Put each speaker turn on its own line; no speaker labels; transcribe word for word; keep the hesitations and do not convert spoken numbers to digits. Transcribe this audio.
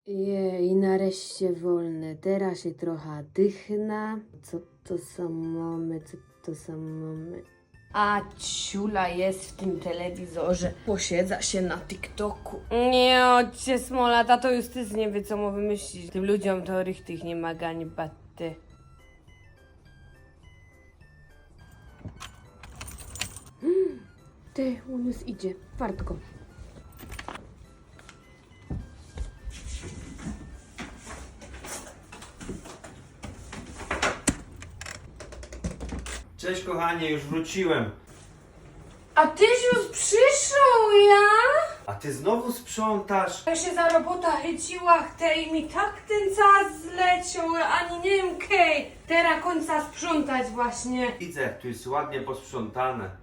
Jej, nareszcie wolne. Teraz się trochę dychna. Co to za mamy, co to za mamy? A ciula jest w tym telewizorze. Posiedza się na TikToku. Nie, odcie smola, tato Justys nie wie, co mu wymyślić. Tym ludziom to tych nie ma gani baty. Hmm, ty, on już idzie. Wartko.
Cześć kochanie, już wróciłem.
A tyś już przyszł, ja?
A ty znowu sprzątasz?
Ja się za robota chyciła, chcę i mi tak ten czas zleciał, ani nie wiem kej. Teraz końca sprzątać właśnie.
Widzę, tu jest ładnie posprzątane.